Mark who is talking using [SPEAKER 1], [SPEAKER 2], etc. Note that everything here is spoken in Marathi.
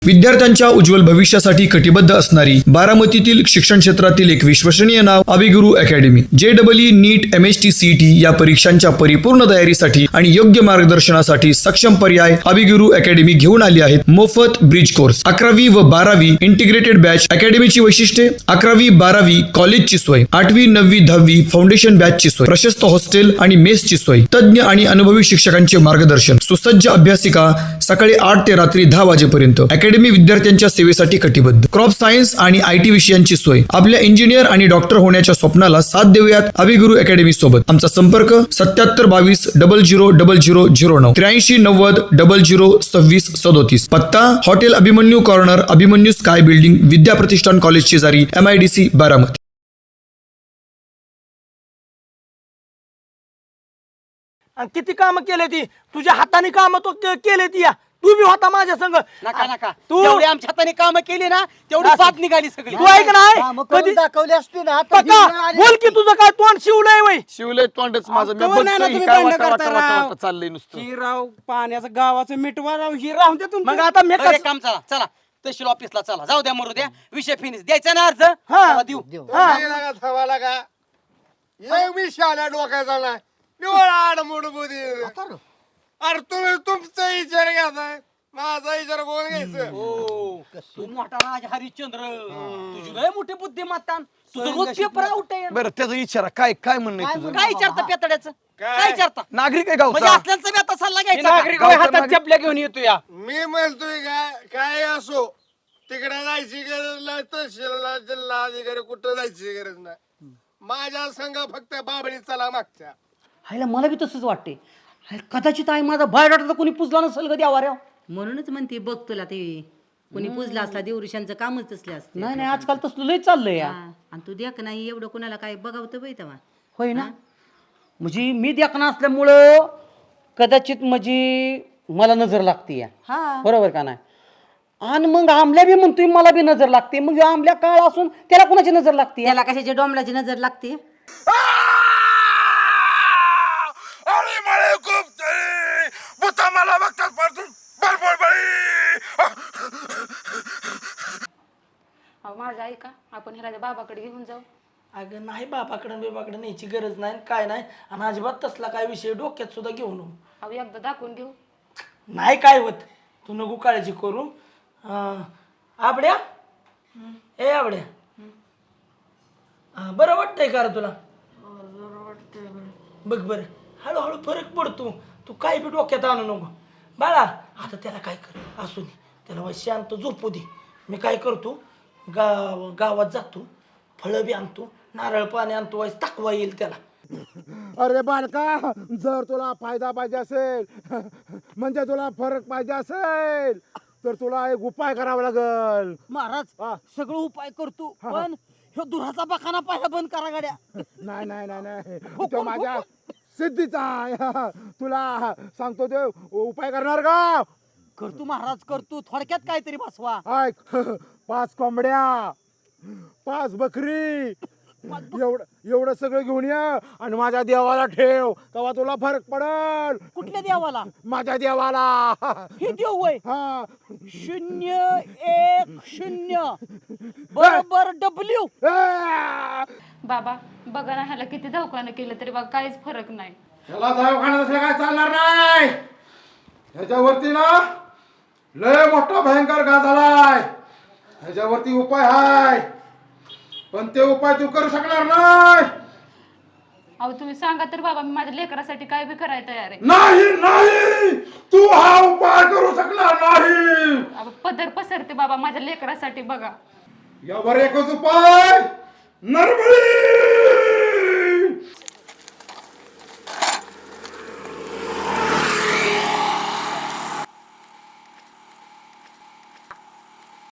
[SPEAKER 1] विद्यार्थ्यांच्या उज्ज्वल भविष्यासाठी कटिबद्ध असणारी बारामतीतील शिक्षण क्षेत्रातील एक विश्वसनीय नाव Abhiguru academy. JEE NEET MHT CET या परीक्षांच्या परिपूर्ण तयारीसाठी आणि योग्य मार्गदर्शनासाठी सक्षम पर्याय अभिगुरु अकॅडमी घेऊन आली आहेत. मोफत ब्रिज कोर्स, 11वी व 12वी इंटिग्रेटेड बॅच. अकॅडमीची वैशिष्ट्ये: 11वी 12वी कॉलेजची सोय, 8वी 9वी 10वी फाउंडेशन बॅचची सोय, प्रशस्त हॉस्टेल आणि मेसची सोय, तज्ञ आणि अनुभवी शिक्षकांचे मार्गदर्शन, सुसज्ज अभ्यासिका, सकाळी 8 ते रात्री 10 वाजेपर्यंत. अकॅडमी विद्यार्थ्यांच्या सेवेसाठी कटिबद्ध. क्रॉप सायन्स आणि IT विषयांची सोय. आपल्या इंजिनियर आणि डॉक्टर होण्याच्या स्वप्नाला साथ देऊयात अभिगुरु अकॅडमी सोबत. आमचा संपर्क 7722 000009 83 90 00 26 37. पत्ता hotel Abhimanyu corner, Abhimanyu sky building, Vidya Pratishthan college शेजारी, MIDC बारामती.
[SPEAKER 2] किती काम केले ती तुझ्या हाताने काम तो केले ती या तू बी होता माझ्या संग.
[SPEAKER 3] नका नका
[SPEAKER 2] तू
[SPEAKER 3] जेवढी आमच्या हाताने काम केली ना तेवढी साथ निघाली सगळी.
[SPEAKER 2] तू ऐक नाही कधी
[SPEAKER 4] दाखवली असती ना
[SPEAKER 2] पक्का बोल की तुझं काय तोंड शिवलंय वय.
[SPEAKER 5] शिवलंय तोंडच माझं. मी
[SPEAKER 3] कवर नाही ना
[SPEAKER 5] बघतोय
[SPEAKER 3] तुम्ही
[SPEAKER 5] काय
[SPEAKER 3] भांडणं
[SPEAKER 5] वाटा
[SPEAKER 3] करता
[SPEAKER 5] वाटा वाटा
[SPEAKER 3] राव.
[SPEAKER 5] वाटा चाललंय नुसतं.
[SPEAKER 3] ही राव पाण्याचं गावाचं मिटवा राव ही राहून द्या
[SPEAKER 2] मग आता मी
[SPEAKER 3] अरे काम चला चला तहसील ऑफिसला चला जाऊ द्या मरू द्या विषय फिनिश द्यायचा ना अर्ज
[SPEAKER 2] हा.
[SPEAKER 3] चला देऊ
[SPEAKER 6] डोक्याचा नाही निवड आडमोड बुधी. अरे तुम्ही तुमचा विचार घ्यायचा, माझा विचार कोण घ्यायचं?
[SPEAKER 3] हो तू मोठा राज हरिश्चंद्र तुझी लय मोठी बुद्धिमत्ता तुझं रोज पेपर आउट आहे.
[SPEAKER 5] बरं त्याचा विचारा काय काय म्हणणं आहे तुझं?
[SPEAKER 3] काय विचारता पेतड्याचं काय विचारता
[SPEAKER 5] नागरिक आहे
[SPEAKER 3] म्हणजे
[SPEAKER 5] गावचा.
[SPEAKER 3] असल्याचा बी आता सल्ला घ्यायचा
[SPEAKER 2] नागरिक
[SPEAKER 3] का?
[SPEAKER 2] होय, हातात चपल्या घेऊन येतो या.
[SPEAKER 6] मी म्हणतोय काय काय असो तिकडे जायची गरज नाही, तहसीलला जिल्हा अधिकारी कुठं जायची गरज नाही. माझ्या संघ फक्त बाबळी चला मागच्या.
[SPEAKER 3] हायला मला बी तसंच वाटते कदाचित आई माझा बायोडाटा तर कोणी पुजला नसेल कधी आवाऱ्या.
[SPEAKER 7] म्हणूनच म्हणते बघ तुला ते कोणी पुजला असला देवऋषांचं कामच तसले असते.
[SPEAKER 3] नाही नाही आजकाल तसलं लय चाललंय या.
[SPEAKER 7] आणि तू देख नाही एवढं कोणाला काय बघावतं बाई तेव्हा.
[SPEAKER 3] होय ना म्हणजे मी देखना असल्यामुळं कदाचित म्हणजे मला नजर लागते या.
[SPEAKER 7] हा
[SPEAKER 3] बरोबर का नाही. आणि मग आमल्या बी म्हणतोय मला बी नजर लागते. मग आमल्या काळ असून त्याला कोणाची नजर लागते?
[SPEAKER 7] त्याला कशाची डोंबलाची नजर लागते.
[SPEAKER 6] अरे मळे खूप तरी भूता मला बघतात परतून
[SPEAKER 8] माझं ऐका आपण ह्याला बाबाकडे घेऊन जाऊ.
[SPEAKER 2] अगं नाही बापाकडे न्यायची गरज नाही काय नाही. आणि अजिबात तसला काय विषय डोक्यात सुद्धा घेऊ नको.
[SPEAKER 8] अहो एकदा दाखवून घेऊ.
[SPEAKER 2] नाही काय होत तू नको काळजी करू. आबड्या ए आबड्या बरं वाटतंय का रे तुला? बघ बरं हळूहळू फरक पडतो. तू काय बी डोक्यात आणू नको बाळा. आता त्याला काय कर असू दे त्याला वाय शांत झोपू दे. मी काय करतो गावात जातो फळं बी आणतो नारळ पाणी आणतो वाईस टाकवा येईल त्याला.
[SPEAKER 6] अरे बालका जर तुला फायदा पाहिजे असेल म्हणजे तुला फरक पाहिजे असेल तर तुला एक उपाय करावा लागल.
[SPEAKER 3] महाराज सगळं उपाय करतो पण ह्यो दुराचा बखाना पहिला बंद करा गाड्या.
[SPEAKER 6] नाही नाही नाही नाही तो माझ्या सिद्धीचा आहे. तुला सांगतो ते उपाय करणार का?
[SPEAKER 3] करतो महाराज करतो थोडक्यात काहीतरी बसवा.
[SPEAKER 6] ऐक 5 कोंबड्या 5 बकरी एवढं सगळं घेऊन ये आणि माझ्या देवाला ठेव तेव्हा तुला फरक पडल.
[SPEAKER 3] कुठल्या देवाला?
[SPEAKER 6] माझ्या देवाला.
[SPEAKER 3] हे देव वय
[SPEAKER 6] हा
[SPEAKER 3] 010 बरोबर W.
[SPEAKER 8] बाबा बघा ना ह्याला किती दवाखाना केलं तरी बघा काहीच फरक नाही.
[SPEAKER 6] ह्याला दवाखान्यात असं काय चालणार नाही. ह्याच्यावरती ना लय मोठा भयंकर घात झालाय. ह्याच्यावरती उपाय हाय पण ते उपाय तू करू शकणार नाही.
[SPEAKER 8] अहो तुम्ही सांगा तर बाबा मी माझ्या लेकरासाठी काय बी करायला तयार आहे.
[SPEAKER 6] नाही नाही तू हा उपाय करू शकणार नाही.
[SPEAKER 8] अहो, पदर पसरते बाबा माझ्या लेकरासाठी बघा.
[SPEAKER 6] यावर एकच उपाय नरबळी.